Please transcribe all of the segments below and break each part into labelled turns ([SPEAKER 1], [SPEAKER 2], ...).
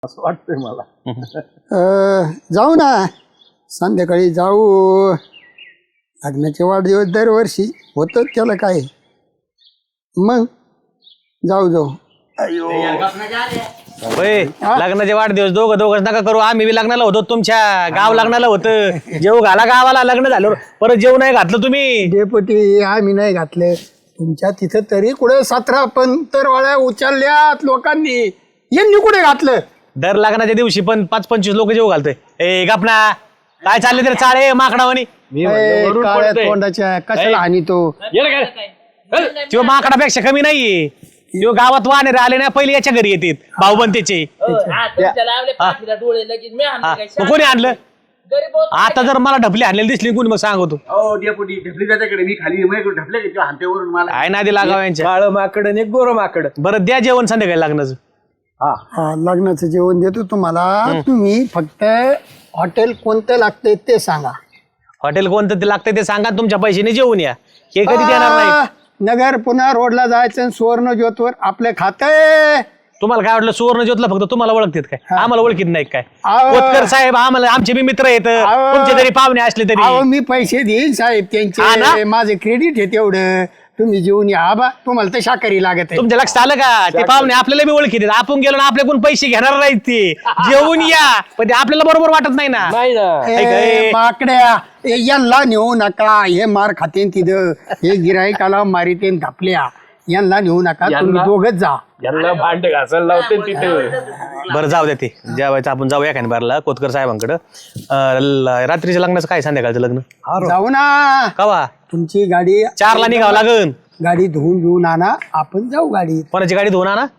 [SPEAKER 1] असं वाटतंय मला.
[SPEAKER 2] जाऊ ना संध्याकाळी जाऊ. लग्नाचे वाढदिवस दरवर्षी होतं त्याला काय मग जाऊ जाऊ.
[SPEAKER 3] होय लग्नाचे वाढदिवस दोघं नका करू. आम्ही बी लग्नाला होतो तुमच्या गाव लग्नाला होतं. जेव घाला गावाला लग्न झालं परत जेव नाही घातलं तुम्ही.
[SPEAKER 2] डेपुटी आम्ही नाही घातले तुमच्या तिथं तरी कुठे 17 पंतरवाळ्या उचलल्यात लोकांनी. यांनी कुठे घातलं?
[SPEAKER 3] दर लग्नाच्या दिवशी पण 5-25 लोक जेव घालतोय. ए गपना काय चालले तरी चाळे माकडावानी.
[SPEAKER 2] काळ्या तोंडाच्या कशाला आणि तो
[SPEAKER 3] तो माकडापेक्षा कमी नाहीये. तो गावात वानेर आले ना पहिले याच्या घरी येतात भाऊबंतेचे. कोणी आणलं आता? जर मला ढपली आणलेली दिसली कोणी मग सांगतो. काय नादी लागाव यांच्या.
[SPEAKER 1] काळं माकड आणि एक गोरं माकड.
[SPEAKER 3] बरं द्या जेवण संध्याकाळी लग्नाचं.
[SPEAKER 2] हा लग्नाचं जेवण देतो तुम्हाला. तुम्ही फक्त हॉटेल कोणतं लागतंय ते सांगा.
[SPEAKER 3] हॉटेल कोणतं ते लागतंय ते सांगा. तुमच्या पैशाने जेवून या. हे कधी देणार नाही.
[SPEAKER 2] नगर पुन्हा रोडला जायचं सुवर्ण ज्योतवर आपलं खातंय.
[SPEAKER 3] तुम्हाला काय वाटलं सुवर्ण ज्योतला फक्त तुम्हाला ओळखतात काय? आम्हाला ओळखीत नाही काय?
[SPEAKER 2] अहो.
[SPEAKER 3] कोतकर साहेब आम्हाला आमचे बी मित्र येत
[SPEAKER 2] अहो.
[SPEAKER 3] तुमचे जरी पाहुणे असले तरी.
[SPEAKER 2] अहो मी पैसे देईन साहेब
[SPEAKER 3] हा
[SPEAKER 2] त्यांचे.
[SPEAKER 3] ना?
[SPEAKER 2] माझे क्रेडिट आहे तेवढं. तुम्ही जेवून या. आबा तुम्हाला तर शाकाहारी लागत आहे.
[SPEAKER 3] तुमच्या लक्षात आलं का? ते पाहुणे आपल्याला बी ओळखीत आहेत. आपण गेलो ना आपल्याकडून पैसे घेणार नाहीत ते. जेवून या पण ते आपल्याला बरोबर वाटत नाही ना.
[SPEAKER 1] नाही ना.
[SPEAKER 2] माकड्या यांना नेऊ नका. हे मार खातेन तिथं. हे गिराईकाला मारितेन धापल्या. यांना नेऊ नका. तुम्ही दोघच जा.
[SPEAKER 1] यांना भांड घासायला लावते तिथे.
[SPEAKER 3] बरं जाऊ द्या. ते जेवायचं आपण जाऊया एखाद्या बारला कोतकर साहेबांकडं. रात्रीच्या लग्नाचं काय संध्याकाळचं लग्न
[SPEAKER 2] जाऊ ना.
[SPEAKER 3] कवा?
[SPEAKER 2] तुमची गाडी
[SPEAKER 3] 4ला निघावं लागन.
[SPEAKER 2] गाडी धुवून आणा. आपण जाऊ गाडीत.
[SPEAKER 3] कोणाची गाडी धुवून ना?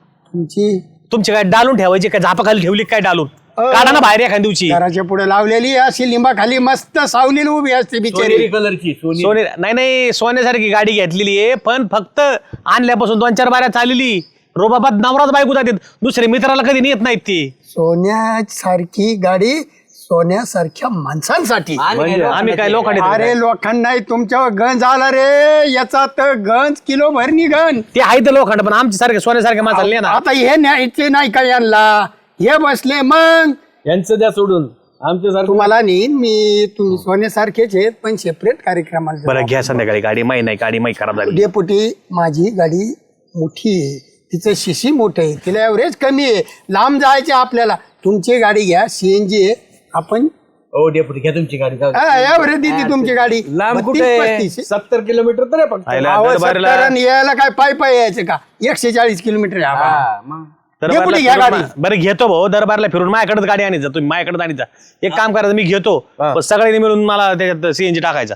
[SPEAKER 3] तुमची गाडी डालून ठेवायची काय? झापाखाली ठेवली काय डालून? काढा ना बाहेर एखाद्या दिवशी.
[SPEAKER 2] घराच्या पुढे लावलेली अशी लिंबाखाली मस्त सावलीला उभी असते बिचारी.
[SPEAKER 1] कलरची
[SPEAKER 3] सोने नाही सोन्यासारखी गाडी घेतलेली आहे पण फक्त आणल्यापासून 2-4 बाऱ्या चाललेली. रोबाबाद नवराच बायको जातात. दुसरे मित्राला कधी नेत नाहीत ती.
[SPEAKER 2] सोन्यासारखी गाडी सोन्यासारख्या माणसांसाठी.
[SPEAKER 3] आम्ही काय लोकांनी
[SPEAKER 2] अरे लोकांना तुमच्यावर गंज आला रे. याचा तर गंज किलो भर निघन.
[SPEAKER 3] ते आहे तर लोखंड पण आमच्या सारखे सोन्यासारखे माणसाला ना.
[SPEAKER 2] आता हे न्यायचे नाही का यांना? हे बसले मग
[SPEAKER 1] यांचं द्या सोडून आमच्या
[SPEAKER 2] तुम्हाला नेईन मी. तुम्ही सोन्यासारखेच आहेत पण सेपरेट कार्यक्रमाला.
[SPEAKER 3] बरं घ्या संध्याकाळी गाडी. माही नाही गाडी माही खराब झाली.
[SPEAKER 2] डेपुटी माझी गाडी मोठी आहे. तिचं शिशी मोठं आहे. तिला एव्हरेज कमी आहे. लांब जायचे आपल्याला. तुमची गाडी घ्या. CNG आहे. आपण
[SPEAKER 1] डेपुटी घ्या तुमची गाडी.
[SPEAKER 2] एव्हरेज देते तुमची गाडी.
[SPEAKER 1] लांब कुठे? 70 किलोमीटर तर आहे फक्त.
[SPEAKER 2] यायला काय पाय यायचं का? 140 किलोमीटर आहे. डेपुटी घ्या गाडी.
[SPEAKER 3] बरं घेतो भाऊ. दरबारला फिरून माझ्याकडेच गाडी आणीचा. तुम्ही माझ्याकडे आणीचा. एक काम करायचं मी घेतो पण सगळ्यांनी मिळून मला त्याच्यात CNG टाकायचा.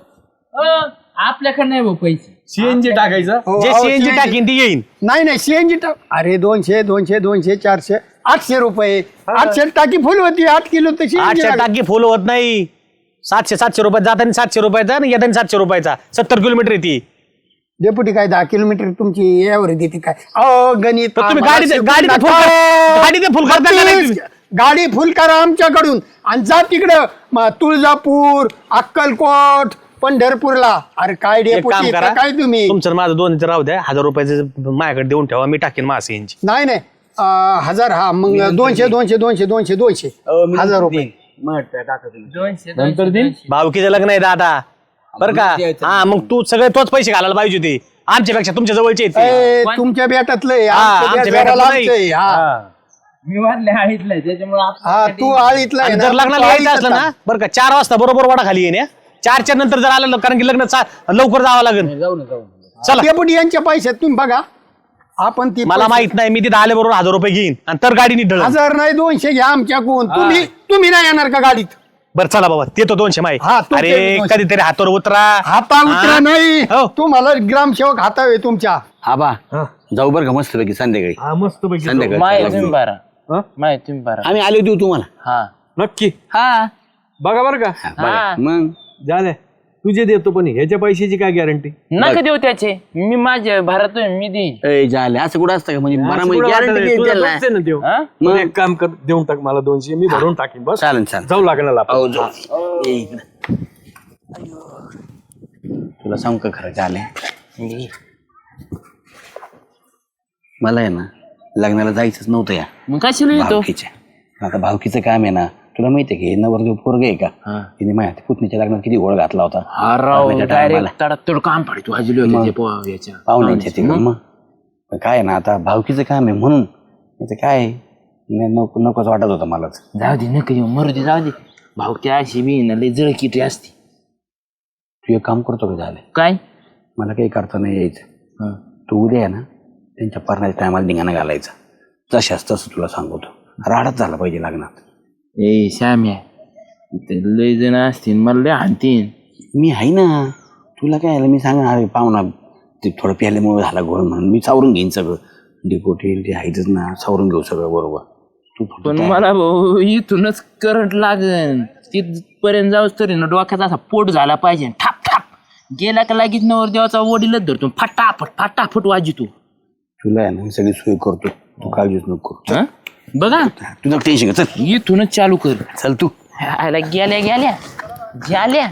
[SPEAKER 4] आपल्याकडे नाही भाऊ पैसे.
[SPEAKER 1] CNG टाकायचं.
[SPEAKER 3] जे CNG टाकीन ती येईन.
[SPEAKER 2] नाही CNG टाक. अरे 200 200 200 400 800 रुपये. 800 टाकी फुल होती. 8 किलो तशी.
[SPEAKER 3] 800 टाकी फुल होत नाही. 700 रुपये जाताना 700 रुपयाचा आणि येताना 700 रुपयाचा. 70 किलोमीटर येते.
[SPEAKER 2] डेपुटी काय 10 किलोमीटर तुमची एव्हरेज देते काय? अहो गणित
[SPEAKER 3] तुम्ही गाडी फुल करता का नाही?
[SPEAKER 2] गाडी फुल करा आमच्याकडून आणि जा तिकडं तुळजापूर अक्कलकोट पंढरपूरला. अरे काय डेपुटी काय तुम्ही?
[SPEAKER 3] तुमचं माझं 2 राहू द्या. 1000 रुपयाचं माझ्याकडे देऊन ठेवा. मी टाकेन माझं CNG.
[SPEAKER 2] नाही 1000. हा मग 200 200 200 200 200 1000 रुपये.
[SPEAKER 1] नंतर दिन
[SPEAKER 3] भावकीचं लग्न आहे दादा बरं का? हा मग तू सगळे तोच पैसे घालायला पाहिजे होते. आमच्यापेक्षा तुमच्या जवळचे आहेत ते.
[SPEAKER 2] तुमच्या बेटातलं
[SPEAKER 3] आमच्या बेटातलं नाही.
[SPEAKER 4] मी वाढले आळीतलं त्याच्यामुळे
[SPEAKER 2] तू आळीतला आहे ना?
[SPEAKER 3] जर लग्नाला यायचं असलं ना बरं का 4 वाजता बरोबर वाडा खाली येणे. 4च्या नंतर जर आलं कारण की लग्न लवकर जावं लागेल. चला
[SPEAKER 2] डेपुटी यांच्या पैशात तुम्ही बघा. आपण ती
[SPEAKER 3] मला माहित नाही. मी तिथे आल्याबरोबर 1000 रुपये घेईन आणि तर गाडी नीट
[SPEAKER 2] 1000 नाही 200 घ्या आमच्याकडून. तुम्ही नाही येणार का गाडीत?
[SPEAKER 3] बरं चला बाबा ते तो 200 माहिती.
[SPEAKER 2] हा, तो
[SPEAKER 3] अरे
[SPEAKER 2] 200.
[SPEAKER 3] कधीतरी हातावर उतरा.
[SPEAKER 2] हाता उतरा नाही.
[SPEAKER 3] हो.
[SPEAKER 2] तुम्हाला ग्रामसेवक हातावे तुमच्या.
[SPEAKER 5] आबा जाऊ बरं का मस्त पैकी संध्याकाळी.
[SPEAKER 1] मस्त पैकी
[SPEAKER 5] संध्याकाळी
[SPEAKER 4] तुम्ही बारा
[SPEAKER 5] आम्ही आलो देऊ तुम्हाला.
[SPEAKER 4] हा
[SPEAKER 1] नक्की
[SPEAKER 4] हा
[SPEAKER 1] बघा बरं का.
[SPEAKER 5] बघा. मग
[SPEAKER 1] झालं तुझे देतो पण ह्याच्या पैशाची काय गॅरंटी?
[SPEAKER 4] नका देऊ त्याचे. मी माझ्या भारत मी देईन.
[SPEAKER 5] झाले असं कुठं असतं का? म्हणजे मला
[SPEAKER 1] असं कुठं वाटत नाही. तुला
[SPEAKER 5] गॅरंटी
[SPEAKER 1] दोनशे ना देऊ.
[SPEAKER 4] हा?
[SPEAKER 1] मग एक काम कर देऊन टाक मला 200. मी भरून टाकीन बस.
[SPEAKER 5] चालेल चालेल.
[SPEAKER 1] जाऊ लागणार आपण.
[SPEAKER 5] हो जाऊ. ये इकडं. तुला सांग का खरं झाले मला आहे ना लग्नाला जायचंच नव्हतं या
[SPEAKER 4] मग कशाला येतो
[SPEAKER 5] भावकीच्या. आता भावकीचं काम आहे ना, तुला माहितीये की नवरदेव पोरग आहे का, तिने माझ्या पुतणीच्या लग्नात किती गोळ घातला होता लग्नाच्या टायमाला.
[SPEAKER 4] डायरेक्ट तडतड काम पडतो भाजली होती याच्या
[SPEAKER 5] पाहुण्यांच्या तिकडे. मग पण काय आहे ना, आता भावकीचं काम आहे म्हणून याचं काय आहे, नकोच वाटत होतं मला.
[SPEAKER 4] जाऊ दे नका येऊ मरू दे जाऊ दे भावक्या अशी बी ना लय जळकिटी असते.
[SPEAKER 5] तू एक काम करतो का झालं,
[SPEAKER 4] काय
[SPEAKER 5] मला काही करता नाही यायचं. तू उद्या आहे ना त्यांच्या परण्याच्या टायमाला धिंगाणा घालायचा, जशाच तसं तुला सांगतो. राडच झाला पाहिजे लग्नात.
[SPEAKER 4] ए श्याम्या इथे लय जण असतील मला लय हाणतीन.
[SPEAKER 5] मी आहे ना, तुला काय आलं मी सांगा, अरे पाहुणा ते थोडं प्यायल्यामुळे झाला घोळ म्हणून मी सावरून घेईन सगळं. डिपोटी ते आहेतच ना, सावरून घेऊ सगळं बरोबर. तू फक्त
[SPEAKER 4] पण मला भाऊ इथूनच करंट लागन तिथपर्यंत जाऊच तरी ना डोक्याचा असा पोट झाला पाहिजे. ठाप ठाप गेला का लागीच नवर देवाचा वडीलच धरतो फटाफट फटाफट वाजितो.
[SPEAKER 5] तुला आहे ना सगळी सोय करतो, तू काळजीच नको करू.
[SPEAKER 4] हं? बघा
[SPEAKER 5] तुझं टेन्शन घे, चल
[SPEAKER 4] इथूनच चालू कर.
[SPEAKER 5] चल तू.
[SPEAKER 4] आयला गेल्या गेल्या झाल्या.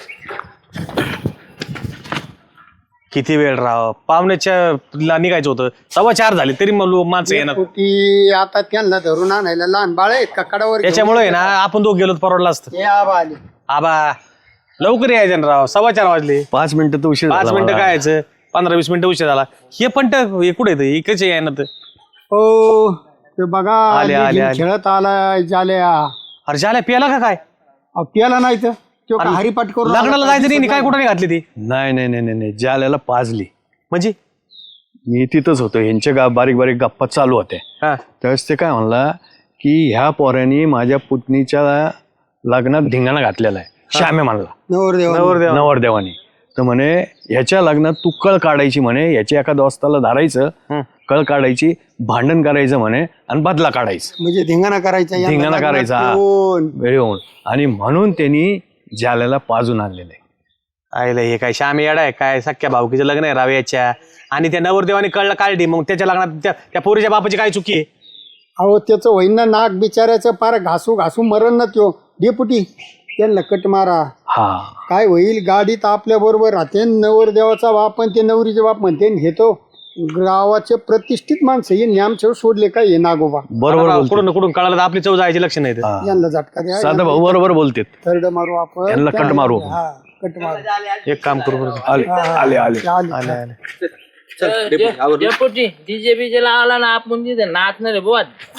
[SPEAKER 3] किती वेळ राव, पाहुण्याच्या निघायचं होतं, 4:15 झाले तरी माणसं येणार.
[SPEAKER 2] की आता त्यांना धरून आणायला लहान बाळ आहेत का कडावर घेऊन?
[SPEAKER 3] त्याच्यामुळे आहे ना आपण दोघ गेलो तर परवडलं असतं.
[SPEAKER 2] हे आबा आले.
[SPEAKER 3] आबा लवकर यायचं ना राव, 4:15 वाजले.
[SPEAKER 1] 5 मिनिटं तर उशीर
[SPEAKER 3] 5
[SPEAKER 1] झाला
[SPEAKER 3] मिनिटं
[SPEAKER 1] मला.
[SPEAKER 3] काय यायचं, 15-20 मिनिटं उशीर झाला. हे पण हे कुठे येतं, इकडेच आहे ना. तर
[SPEAKER 2] हो ते बघा
[SPEAKER 3] आले, आले,
[SPEAKER 2] लेझीम
[SPEAKER 3] आले.
[SPEAKER 2] खेळत आला जाल्या.
[SPEAKER 3] अरे झाल्या प्याला का काय,
[SPEAKER 2] प्याला नाही तर तो का हरिपाठ करून
[SPEAKER 3] लग्नाला जायचं नाही काय कुठं नाही घातली ती
[SPEAKER 1] नाही नाही नाही नाही नाही, जाल्याला पाजली.
[SPEAKER 3] म्हणजे.
[SPEAKER 1] मी तिथंच होतो, ह्यांच्या बारीक बारीक गप्पा चालू होत्या.
[SPEAKER 3] हा
[SPEAKER 1] त्यावेळेस ते काय म्हणला की ह्या पोऱ्याने माझ्या पुतणीच्या लग्नात धिंगाणा घातलेला आहे. श्याम्या म्हणला,
[SPEAKER 2] नवरदेव
[SPEAKER 1] नवरदेवाने. तर म्हणे ह्याच्या लग्नात तू कळ काढायची म्हणे, याच्या एका दोस्ताला धरायचं, कळ काढायची, भांडण करायचं म्हणे आणि बदला काढायचं,
[SPEAKER 2] म्हणजे धिंगाणा करायचा यांना
[SPEAKER 1] धिंगाणा
[SPEAKER 2] लग्नात
[SPEAKER 1] करायचा
[SPEAKER 2] कोण?
[SPEAKER 1] वेळ होऊन. आणि म्हणून त्यांनी जाल्याला पाजून आणलेलं आहे.
[SPEAKER 3] आईला हे काय श्यामी येडा आहे काय, सख्या भाऊकीचं लग्न आहे राव्याच्या, आणि त्या नवरदेवाने कळलं काढली, मग त्याच्या लग्नात त्या पोरीच्या बापाची काय चुकी आहे.
[SPEAKER 2] अहो त्याचं होईन ना नाक बिचारायचं पार घासू घासू मरण ना त्यो डेपुटी त्यांना कट मारा.
[SPEAKER 1] हा
[SPEAKER 2] काय होईल, गाडीत आपल्या बरोबर राहते नवरदेवाचा बाप आणि ते नवरीचे बाप म्हणते हे तो गावाचे प्रतिष्ठित माणसं हे आमच्यावर सोडले काय हे नागोबा.
[SPEAKER 1] बरोबर
[SPEAKER 3] राव,
[SPEAKER 1] बोलते.
[SPEAKER 3] कुठून कुठून कळालं तर आपली चव जायची लक्ष नाही.
[SPEAKER 1] हा.
[SPEAKER 2] यांना झटका द्या,
[SPEAKER 1] साधा भाऊ बरोबर बोलतेत.
[SPEAKER 2] थर्ड मारू आपण
[SPEAKER 1] यांना कट मारू.
[SPEAKER 2] हा कट मारू.
[SPEAKER 3] एक काम करू बरं.
[SPEAKER 1] आले आले आले
[SPEAKER 2] आले.
[SPEAKER 4] डीजे बीजे लावला ना आपण तिथे नाचणार बुवा.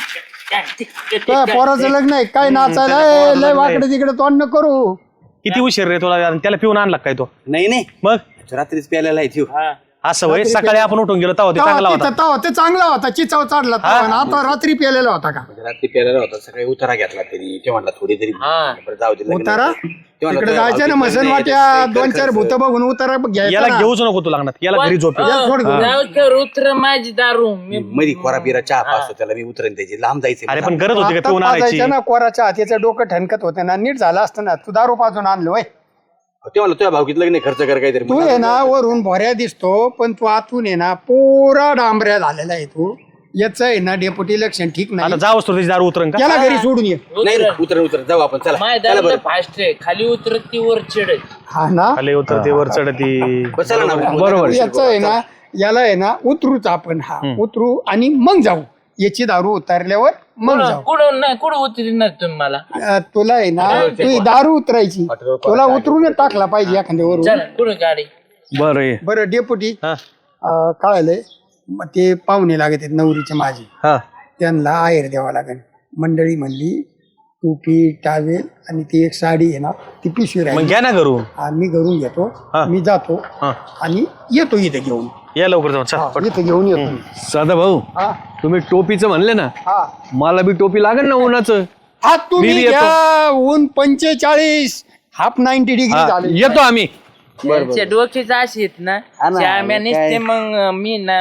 [SPEAKER 2] काय पोराचं लग्न आहे काय नाचायला ए, लय वाकडे तिकडे तोंड न करू.
[SPEAKER 3] किती उशीर रे तुला, आणि त्याला पिऊन आणला काय तो.
[SPEAKER 5] नाही नाही,
[SPEAKER 3] मग
[SPEAKER 5] रात्रीच प्यायला आहे त्यो.
[SPEAKER 3] असं वय, सकाळी आपण उठून गेलो तेव्हा ते चांगला होता.
[SPEAKER 2] ते चांगला होता चिचाव चढला तवा. आणि आता रात्री प्यालेला होता का
[SPEAKER 5] रात्री प्यायला होता, सकाळी उतारा घेतला तरी ते म्हणला थोडी तरी बरं जाऊ दे लग्न.
[SPEAKER 2] उतारा
[SPEAKER 5] ते म्हणला,
[SPEAKER 2] तिकडे
[SPEAKER 5] तुझ्या
[SPEAKER 2] जायचं ना
[SPEAKER 5] भावकीत
[SPEAKER 2] मसन
[SPEAKER 5] लग्न आहे,
[SPEAKER 2] वाट्या
[SPEAKER 5] त्याचं
[SPEAKER 2] 2-4 भूत बघून उतारा घ्यायचा
[SPEAKER 3] याला
[SPEAKER 2] ना.
[SPEAKER 3] घेऊच नको तू लग्नात, याला घरी झोप.
[SPEAKER 2] याला सोड घेऊन.
[SPEAKER 4] जाऊ तर उतर माझी दारू मी
[SPEAKER 5] मधी खोरा बिरा चहा पाचतो त्याला, मी उतरेन त्याची लांब जायचं.
[SPEAKER 3] अरे पण गरज होती का
[SPEAKER 2] आता
[SPEAKER 3] पिऊन आणायची.
[SPEAKER 2] पाजायचं ना कोराच्या हातीचं डोकं ठणकत होतं ना, नीट झालं असतं ना. तू दारू पाजून आणलो होय.
[SPEAKER 5] ते म्हणलं तुझ्या भावकीत लग्न आहे, खर्च कर काहीतरी.
[SPEAKER 2] तू आहे ना वरून भोऱ्या दिसतो पण तू आतून आहे ना पोरा डांबऱ्या झालेला आहे. तू याच आहे ना डेपुटी लक्षण ठीक
[SPEAKER 3] आता
[SPEAKER 2] नाही.
[SPEAKER 3] जावंच तो त्याची दारू उतरण का.
[SPEAKER 2] त्याला घरी सोडून ये.
[SPEAKER 5] नाही नाही, उतर जाऊ आपण, चला
[SPEAKER 4] माझ्या
[SPEAKER 5] चला
[SPEAKER 4] दारू
[SPEAKER 5] बरं.
[SPEAKER 4] फास्ट आहे खाली उतरत ती वर चढत.
[SPEAKER 2] हा ना
[SPEAKER 3] खाली उतरते वर चढती.
[SPEAKER 5] बस चला ना
[SPEAKER 1] बरोबर.
[SPEAKER 2] याच आहे ना याला आहे ना उतरूच आपण. हा उतरू आणि मग जाऊ. याची दारू उतारल्यावर मग जाऊ.
[SPEAKER 4] कुठं नाही कुठं उतरणार तुम्ही मला.
[SPEAKER 2] तुला आहे ना तू दारू उतरायची, तुला उतरून टाकला पाहिजे एखाद्यावरून.
[SPEAKER 4] चला कुठं गाडी.
[SPEAKER 1] बरं ये.
[SPEAKER 2] बरं डेपुटी
[SPEAKER 3] हा
[SPEAKER 2] काय आलंय मग ते पाहुणे लागत आहेत नवरीचे माझे,
[SPEAKER 3] हा
[SPEAKER 2] त्यांना आहेर द्यावा लागेल. मंडळी म्हणली टोपी टावेल आणि ती एक साडी आहे ना ती पिशवी
[SPEAKER 3] मग
[SPEAKER 2] राहील.
[SPEAKER 3] घ्या ना घरून.
[SPEAKER 2] मी घरून घेतो.
[SPEAKER 3] हा.
[SPEAKER 2] मी जातो
[SPEAKER 3] हा
[SPEAKER 2] आणि येतो इथे घेऊन.
[SPEAKER 3] या लवकर जाऊन चल.
[SPEAKER 2] इथे घेऊन येतो.
[SPEAKER 1] साधा भाऊ,
[SPEAKER 2] हा
[SPEAKER 1] तुम्ही टोपीचं म्हणले ना,
[SPEAKER 2] हा
[SPEAKER 1] मला बी टोपी लागेल ना उन्हाचं.
[SPEAKER 2] हा
[SPEAKER 1] मी
[SPEAKER 2] तुम्ही
[SPEAKER 1] बी येतो.
[SPEAKER 2] घ्या. ऊन 45 हाफ 90 डिग्री
[SPEAKER 1] हा,
[SPEAKER 2] झाले.
[SPEAKER 1] येतो आम्ही.
[SPEAKER 4] त्यांच्या डोक्याचे असे आहेत ना श्याम्या नसते मग मी ना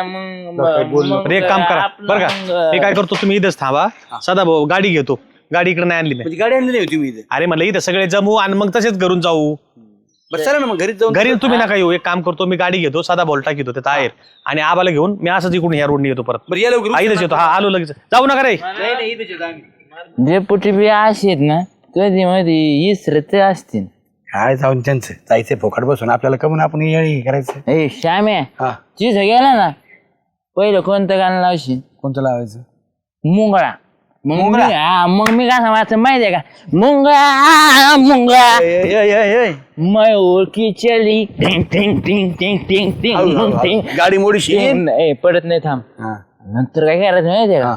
[SPEAKER 4] मग
[SPEAKER 3] एक काम करा बरं का, हे काय करतो तुम्ही इथंच थांबा. सदा भाऊ गाडी घेतो, गाडी इकडे नाही आणली मी.
[SPEAKER 5] म्हणजे गाडी आणली नाही होती मी इथे.
[SPEAKER 3] अरे म्हणलं इथं सगळे जमू आणि मग तसेच घरून जाऊ.
[SPEAKER 5] बरं चला ना मग घरीच जाऊन.
[SPEAKER 3] घरी तुम्ही नका येऊ, एक काम करतो मी गाडी घेतो, साधा बोलटा घेतो त्यात आहेर आणि आबाला घेऊन मी असंच इकडून ह्या रोडने येतो परत.
[SPEAKER 5] बरं या लवकर.
[SPEAKER 3] इथंच येतो. हा आलो लगेच, जाऊ नका रे.
[SPEAKER 5] नाही नाही, इथेच येतो आम्ही.
[SPEAKER 4] डेपुटी बी असे आहेत ना कधी मध्ये इसरते असतील.
[SPEAKER 5] काय जाऊन त्यांचं जायचंय फोकाट बसून आपल्याला कमून आपण येळी करायचं.
[SPEAKER 4] ए श्याम्या
[SPEAKER 5] हा
[SPEAKER 4] तिथं गेला ना पहिलं कोणतं गाणं लावशील?
[SPEAKER 1] कोणतं लावायचं?
[SPEAKER 4] मुंगळा. मग मी गाणं वाचन माहितीये का? मुंगळा मुंगळा मैं ओळखी चली टिंग टिंग टिंग टिंग टिंग टिंग टिंग.
[SPEAKER 5] गाडी मोडीशी
[SPEAKER 4] नाही पडत नाही, थांब. नंतर काय करायचं माहितीये का?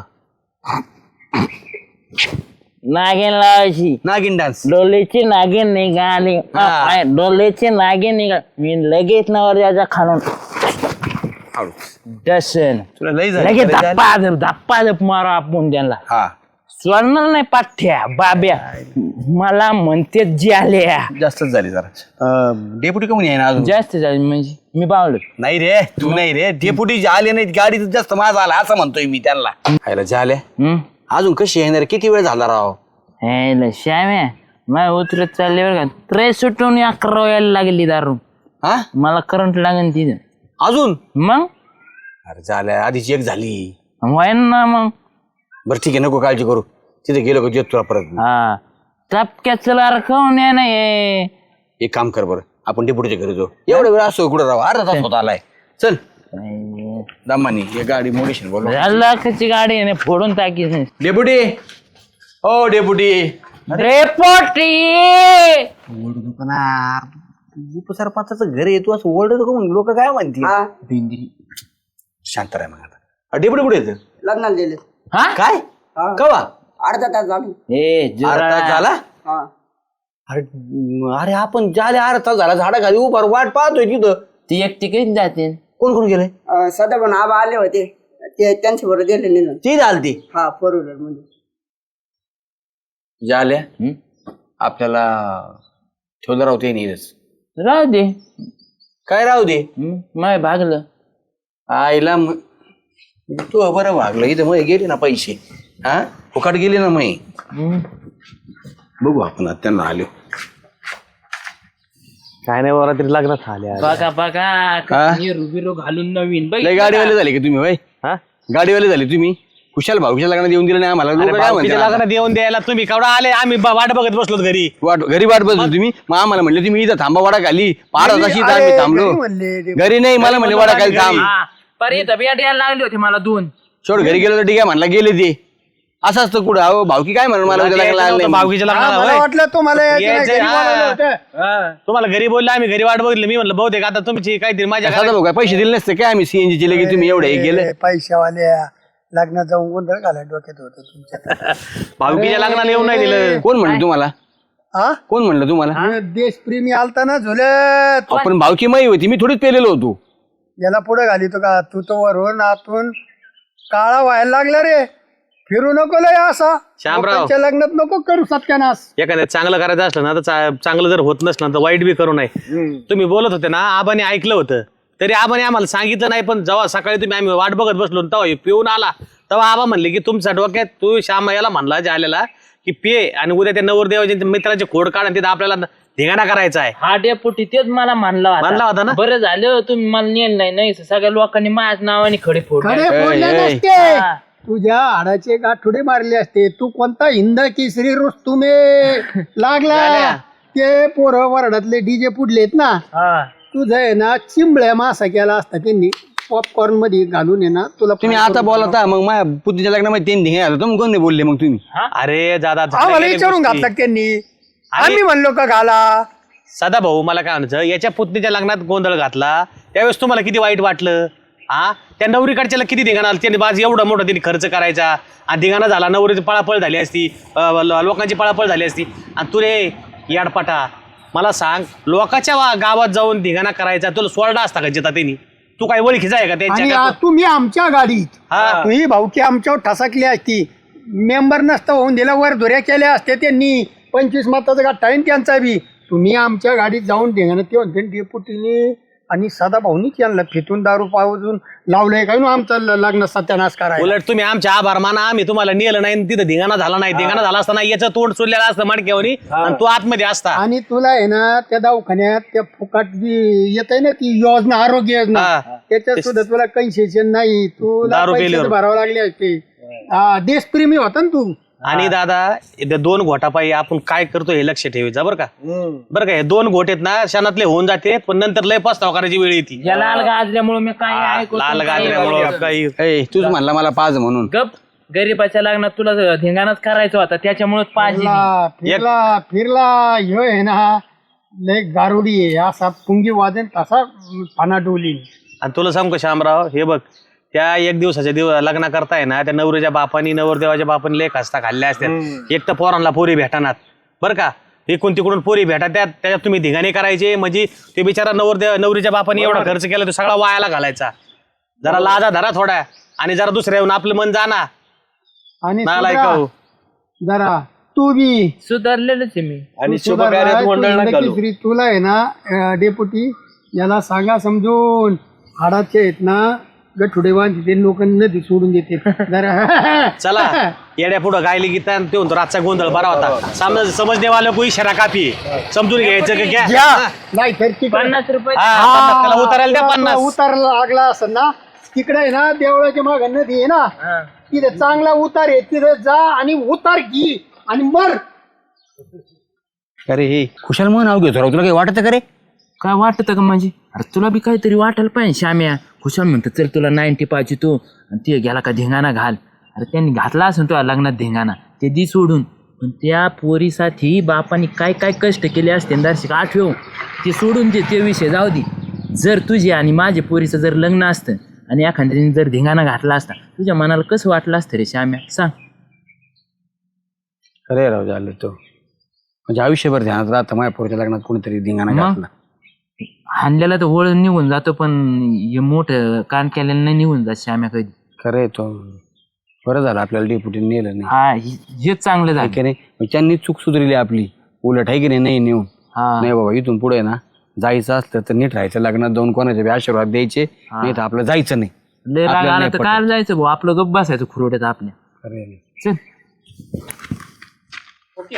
[SPEAKER 4] नागिन लावायची.
[SPEAKER 5] नागिन डान्स.
[SPEAKER 4] डोलेची नागिन निघाली, डोलेची नागिन निघाली, मी लगेच नवरदेवाच्या खालून डसन
[SPEAKER 5] तुला लई
[SPEAKER 4] लगेच
[SPEAKER 5] झाली.
[SPEAKER 4] धप्पा मारा आपण त्यांना.
[SPEAKER 5] हा
[SPEAKER 4] सोडणार नाही पाठ्या बाब्या. मला म्हणते आल्या
[SPEAKER 5] जास्तच झाली जरा. डेप्युटी कमी आहे ना अजून?
[SPEAKER 4] जास्त झाली म्हणजे मी बावलो.
[SPEAKER 5] नाही रे, तू नाही रे, डेप्युटी आले नाहीत, गाडी जास्त माझा आला असं म्हणतोय मी त्यांना. खायला झाल्या अजून कशी येणार? किती वेळ झाला राव?
[SPEAKER 4] श्याम्या माझ्या उतरत चालले बरं का, ट्रे सुटून 11 यायला लागली दारू.
[SPEAKER 5] हा
[SPEAKER 4] मला करंट लागेल तिथं
[SPEAKER 5] अजून?
[SPEAKER 4] मग
[SPEAKER 5] अरे झाल्या आधीची एक झाली.
[SPEAKER 4] व्हायन ना मग.
[SPEAKER 5] बरं ठीक आहे, नको काळजी करू. तिथे गेलो का तुला परत.
[SPEAKER 4] हा टपक्यात चला रखवून या नाही.
[SPEAKER 5] एक काम कर बरं, आपण डेप्युटीच्या घरी जाऊ. एवढा वेळ असतो कुठं राव? अर्धा तास होता आलाय. चल दमानी ये गाडी मोडीशन बोल.
[SPEAKER 4] लाखाची गाडी आहे ना, फोडून टाकीच नाही.
[SPEAKER 5] डेप्युटी, हो डेप्युटी.
[SPEAKER 4] रेपोटी
[SPEAKER 5] उपसरपंचाचं घर येतो असं ओरडतो का म्हणून लोक काय म्हणतील? शांत राहा मग आता. डेप्युटी कुठे येतं?
[SPEAKER 2] लग्नाला दिले.
[SPEAKER 4] हा
[SPEAKER 5] काय कवा?
[SPEAKER 2] अर्धा तास झाला.
[SPEAKER 5] अर्धा तास झाला? अरे अरे आपण झाले अर्धा तास झाला झाडाखाली उभा वाट पाहतोय तिथं.
[SPEAKER 4] ती एकटी कधी जाते.
[SPEAKER 5] कोण कोण गेले?
[SPEAKER 2] सदा पण आबा आले होते, ते त्यांच्या बरोबर गेले निघून.
[SPEAKER 5] ती झालती.
[SPEAKER 2] हा 4 व्हीलर मध्ये.
[SPEAKER 5] झाल्या आपल्याला ठेवलं राहू ते नीरस.
[SPEAKER 4] राहू दे.
[SPEAKER 5] काय राहू दे?
[SPEAKER 4] माय भागलं.
[SPEAKER 5] आईला तू बरं भागलं. इथं मग गेले ना पैसे. हा फुकाट गेले ना मग. बघू आपण आता त्यांना आलो.
[SPEAKER 3] काय नाही बरं तरी लग्नात आल्या.
[SPEAKER 4] बघा बघा बिरो घालून नवीन
[SPEAKER 5] लय गाडीवाले झाले का तुम्ही? भाई
[SPEAKER 3] हा
[SPEAKER 5] गाडीवाले झाले तुम्ही. खुशाल भाऊच्या लग्नात येऊन दिलं नाही आम्हाला. लोकं काय म्हणतात?
[SPEAKER 3] लग्नात येऊन द्यायला तुम्ही केवढा आले? आम्ही वाट बघत बसलो घरी.
[SPEAKER 5] घरी वाट बसलो तुम्ही. मग आम्हाला म्हणले तुम्ही इथं थांबा वाडा खाली. पार तशी आम्ही थांबलो. घरी नाही मला म्हणले वाडा खाली थांब.
[SPEAKER 4] पर्यंत बियाट यायला लागली होती मला 2.
[SPEAKER 5] छोड घरी गेलो तर ठीक आहे म्हणला. गेले ते असं असतं कुठं? अहो भाऊकी काय म्हणून मला उद्या लग्नाला आलं नाही.
[SPEAKER 3] भाऊकीच्या लग्नाला
[SPEAKER 2] मला
[SPEAKER 3] होय.
[SPEAKER 2] वाटलं तुम्हाला
[SPEAKER 3] यायचं,
[SPEAKER 2] घरी बोलावलं होतं.
[SPEAKER 3] तुम्हाला घरी बोलले, आम्ही घरी वाट बघितली. मी म्हणलं बहुतेक आता तुमची काहीतरी माझ्या
[SPEAKER 5] साधा भाऊ काय पैसे दिले नसते काय? आम्ही सीएनजी चे लगेच तुम्ही एवढे गेले.
[SPEAKER 2] पैशावाले लग्नात जाऊन गोंधळ घालाय डोक्यात होतं तुमच्या.
[SPEAKER 3] भाऊकीच्या लग्नाला येऊन नाही दिलं.
[SPEAKER 5] कोण म्हणलं तुम्हाला?
[SPEAKER 2] हा
[SPEAKER 5] कोण म्हणलं तुम्हाला?
[SPEAKER 2] देशप्रेमी आलता ना झुलत.
[SPEAKER 5] आपण भावकी माई होती. मी थोडीच पेलेलो होतो.
[SPEAKER 2] याला पुढे घालितो का? तू तो वरून आतून काळा व्हायला लागला रे. फिरू नको लय असा.
[SPEAKER 3] श्यामराव.
[SPEAKER 2] लोकांच्या लग्नात नको करू सत्यानाश.
[SPEAKER 3] एखाद्या चांगलं करायचं असलं ना तर चांगलं जर होत नसलं तर वाईट बी करू नये. तुम्ही बोलत होते ना, आबाने ऐकलं होतं. तरी आबाने आम्हाला सांगितलं नाही. पण जेव्हा सकाळी तुम्ही आम्ही वाट बघत बसलो तेव्हा पिऊन आला, तेव्हा आबा म्हणले की तुमच्या डोक्यात तू श्याम याला म्हणला आलेला की पे आणि उद्या त्या नवरदेवाच्या मित्राचे खोड काढ आणि तिथं आपल्याला धिंगाणा करायचा आहे.
[SPEAKER 4] हा डेपुटी तेच मला
[SPEAKER 3] मानला होता ना?
[SPEAKER 4] बरं झालं तुम्ही मला नेल नाही. सगळ्या लोकांनी माझ्या नावाने खडे फोडले.
[SPEAKER 2] खडे फोडले नसते. तुझ्या हाडाचे गाठोडे मारले असते. तू कोणता हिंद केसरी रुस्तुमे लागला. ते पोरं वरडातले डीजे पुडलेत ना. तुझं आहे ना चिंबळ्या मासा केला असता त्यांनी पॉपकॉर्न मध्ये घालून आहे ना. तुला
[SPEAKER 5] तुम्ही आता बोलता मग माझ्या पुतीच्या लग्नामध्ये 3 धिंगे आलो. तुम्ही कोण नाही बोलले मग तुम्ही?
[SPEAKER 3] अरे दादा
[SPEAKER 2] आम्हाला विचारून घातला त्यांनी. आम्ही म्हणलो का घाला.
[SPEAKER 3] सदा भाऊ मला काय म्हणायचं, याच्या पुतणीच्या लग्नात गोंधळ घातला त्यावेळेस तुम्हाला किती वाईट वाटलं? हा त्या नवरीकडच्याला किती धिंगाणा आला. त्यांनी बाज एवढा मोठा त्यांनी खर्च करायचा आणि धिंगाणा झाला. नवरीची पळापळ झाली असती, लोकांची पळापळ झाली असती. आणि तू रे याडपाटा मला सांग, लोकांच्या गावात जाऊन धिंगाणा करायचा तुला सोडा असता का जिता त्यांनी? तू काय ओळखीचा आहे का
[SPEAKER 2] आणि
[SPEAKER 3] त्यांच्या?
[SPEAKER 2] तुम्ही आमच्या गाडीत तुम्ही भाऊकी आमच्यावर ठसकली असती. मेंबर नसता होऊन दिला. वर धुऱ्या केल्या असत्या त्यांनी. 25 मताचा गठ्ठा आहे त्यांचा बी. तुम्ही आमच्या गाडीत जाऊन धिंगाणा ते म्हणते डेपुटीने आणि सदा भाऊनी त्यांना फितून दारू पावून लावलंय काय ना आमचं लग्न सत्यानाश करायला.
[SPEAKER 3] उलट तुम्ही आमच्या आभार माना, आम्ही तुम्हाला नेलं नाही. तिथं धिंगाणा झाला नाही. धिंगाणा झाला असताना याचं तोंड सोडलेलं असतं मडक्यावरी आणि तू आतमध्ये असता.
[SPEAKER 2] आणि तुला आहे ना त्या दवाखान्यात त्या फुकट येत आहे ना ती योजना, आरोग्य योजना, त्याच्यात सुद्धा तुला कन्सेशन नाही. तुला
[SPEAKER 3] दारू
[SPEAKER 2] पैसे
[SPEAKER 3] पेल्यावर.
[SPEAKER 2] भरावं लागले असते. देशप्रेमी होता ना तू.
[SPEAKER 3] आणि दादा त्या 2 घोटापायी आपण काय करतो हे लक्ष ठेवायचं बरं का. बरं का, हे 2 घोट आहेत ना क्षणातले होऊन जाते, पण नंतर लय पस्ताव करायची वेळ येते.
[SPEAKER 4] या लाल गाजल्यामुळे मी काय ऐकू
[SPEAKER 3] लाल गाजल्यामुळं काही
[SPEAKER 5] तूच म्हणला मला पाज म्हणून.
[SPEAKER 4] गप गरीबाच्या लग्नात तुला धिंगाणाच करायचं होता त्याच्यामुळेच पाहिजे.
[SPEAKER 2] फिरला ह्यो आहे ना लय गारुडी आहे, असा पुंगी वाजन तसा पाना डोली.
[SPEAKER 3] आणि तुला सांगू का शामराव, हे बघ त्या 1 दिवसाच्या लग्न करताय ना, त्या नवरीच्या बापानी नवरदेवाच्या बापानी लय खस्ता खाल्ल्या असतात. एक तर पोरांना पोरी भेटणार बरं का, इकडून तिकडून पोरी भेटा त्याच्यात तुम्ही धिंगाणे करायचे. म्हणजे ते बिचारा नवरीच्या बापानी एवढा खर्च केला तो सगळा वायाला घालायचा. जरा लाजा धरा थोडा, आणि जरा दुसऱ्या येऊन आपलं मन जाना.
[SPEAKER 2] आणि
[SPEAKER 3] नालायक
[SPEAKER 2] सुधरा,
[SPEAKER 3] हो.
[SPEAKER 2] जरा तू बी
[SPEAKER 4] सुधारलेलंच आहे मी.
[SPEAKER 1] आणि
[SPEAKER 2] तू सुधार
[SPEAKER 1] शुभकार्यात
[SPEAKER 2] आहे, तू
[SPEAKER 1] गोंधळ नका घालू.
[SPEAKER 2] इंडकिश्री, तुला आहे ना डेपुटी याला सांगा समजून, हाडाचे आहेत ना गठुडे बांधते लोक नदी सोडून देते जरा.
[SPEAKER 3] चला येड्या पुढं गायली गीता आणि ते म्हणतो रातचा गोंधळ बरा होता. समजने वाला कोई इशारा काफी आहे. समजून घ्यायचं का
[SPEAKER 2] घ्या.
[SPEAKER 3] क्या.
[SPEAKER 2] नाही तर तिकडे
[SPEAKER 4] 50 रुपये.
[SPEAKER 3] हा, त्याला उतरायला द्या 50.
[SPEAKER 2] उतारला लागला असं ना, तिकडे आहे ना देवळाच्या माग नदी आहे ना, तिथे चांगला उतार आहे, तिथे जा आणि उतार घे आणि मर.
[SPEAKER 5] अरे हे खुशाल म्हणून नाव घेतो राव, तुला काही वाटत का रे?
[SPEAKER 4] काय वाटतं का म्हणजे? अरे तुला बी काहीतरी वाटायला पाहिजे. श्याम्या खुशाल म्हणतो चल तुला 90 पाहिजे तू, आणि ते गेला का धिंगाणा घाल. अरे त्यांनी घातला असेल तुला लग्नात धिंगाणा, ते दी सोडून. पण त्या पोरीसाठी बापाने काय काय कष्ट केले असते दर्शक आठवू, ते सोडून दे, ते विषय जाऊ दे. जर तुझे आणि माझे पोरीचं जर लग्न असतं आणि एखाद्याने जर धिंगाणा घातला असता, तुझ्या मनाला कसं वाटलं असतं रे श्याम्या, सांग.
[SPEAKER 5] अरे राव झालं तो, म्हणजे आयुष्यभर ध्यानात राहतं माझ्या पोरीच्या लग्नात कोणीतरी धिंगाणा
[SPEAKER 4] मग?
[SPEAKER 5] घातला.
[SPEAKER 4] हाणलेला तर वळ निघून जातो, पण हे मोठं कान केलेलं नाही निघून जात श्याम्या कधी.
[SPEAKER 5] खरंय तो, बरं झालं आपल्याला डेप्युटीने नेलं नाही.
[SPEAKER 4] हा हेच चांगलं
[SPEAKER 5] आहे
[SPEAKER 4] झालं.
[SPEAKER 5] की नाही, मग त्यांनी चूक सुधारली आपली. उलट आहे की नाही नेऊन.
[SPEAKER 4] हा
[SPEAKER 5] नाही बाबा इथून पुढे ना जायचं असलं तर नीट राहायचं, लग्नात जाऊन कोणाचे बी आशीर्वाद द्यायचे, नाही तर आपलं जायचं नाही.
[SPEAKER 4] लय राग
[SPEAKER 5] आपल्याला
[SPEAKER 4] आला
[SPEAKER 5] नाही
[SPEAKER 4] तर
[SPEAKER 5] पटत.
[SPEAKER 4] काय जायचं भाऊ, आपलं गप्प बसायचं खुरवड्यात आपल्या.
[SPEAKER 5] खरंय.
[SPEAKER 4] चल